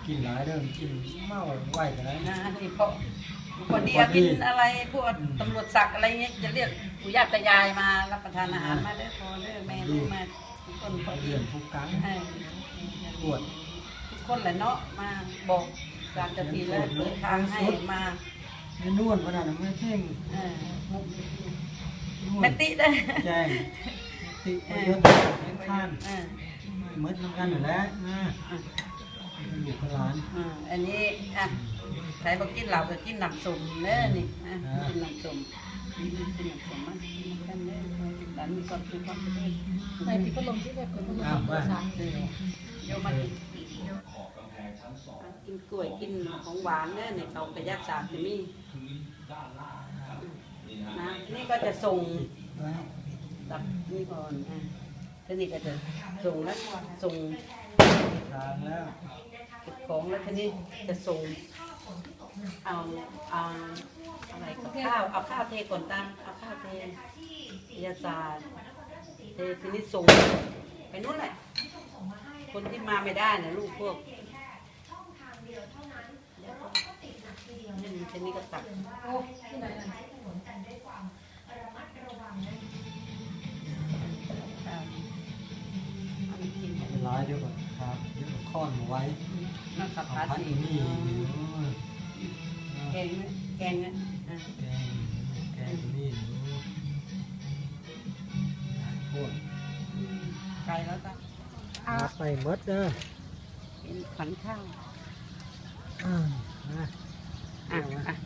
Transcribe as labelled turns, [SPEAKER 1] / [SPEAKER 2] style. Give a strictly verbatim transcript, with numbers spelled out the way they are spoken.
[SPEAKER 1] กินหลายเรื่องกินเมาไหวกันแล้ว
[SPEAKER 2] นะนี่เพราะพอดีกินอะไรพวกตำรวจศักดิ์อะไรเงี้ยจะเรียกปู่ย่าตายายมารับประทานอาหารมาได้พอได้แม่ลูกมาทุกคนพอดี
[SPEAKER 1] เรื่องทุกครั้งปวด
[SPEAKER 2] ทุกคนแหละเนาะมาบอกสามนาทีแล้วเปิดทางให้มา
[SPEAKER 1] ไม่นวดขนาดนั้นไม่เพ่ง
[SPEAKER 2] เออแม่ติได้
[SPEAKER 1] แจ้งติเยอะเลี้ยงข้าน
[SPEAKER 2] เออ
[SPEAKER 1] มืดน้ำกันอยู่แล้วนะอยู่กับร้าน
[SPEAKER 2] อ่าอันนี้อ่ะใครบอกกินเหล้าก็กินน้ำส้มเด้อนี่อ่ะกินน้ำส้มกินน้ำส้มมากินกันเด้อหลานมีความสุขความเจริญ
[SPEAKER 3] ในที่พัดลมที่แบบเป็นพัดลมภาษา
[SPEAKER 2] เออโยมมากินกินกล้วยกินของหวานเนี่ยในเขากระยักษาจะมีนะนี่ก็จะส่งตับนี่ก่อนอ่ะทีนี้ก็จะส่งแล้วส่ง
[SPEAKER 1] ทางแล้ว
[SPEAKER 2] เก็บของแล้วทีนี้จะส่งเอาเอาอะไรกับข้าวเอาข้าวเทก่อนตั้งเอาข้าวเทยาศาสตร์เททีนี้ส่งไปนู่นแหละคนที่มาไม่ได้นะลูกพวกนี่ทีนี้ก็ตัก
[SPEAKER 3] โอ้ที่ไหนน่ะ
[SPEAKER 2] ข้าวเอามากิน
[SPEAKER 1] เป็นร้ายเดียวก่อนครับเดี๋ยวค้อนมาไว้
[SPEAKER 2] น้ำขับ
[SPEAKER 1] เอา
[SPEAKER 2] พา
[SPEAKER 1] พัด
[SPEAKER 2] สี
[SPEAKER 1] อยู่นี่
[SPEAKER 2] แกงเนี่ยแกงเนี่ยอ่ะ
[SPEAKER 1] แกงแกงอยู่นี่โคตร
[SPEAKER 2] อืมไกลแล้วก็
[SPEAKER 1] อาไปมดเด้อ
[SPEAKER 2] เป็นขวัญข้าว
[SPEAKER 1] อ่านะ
[SPEAKER 2] อ่ะอ่ะ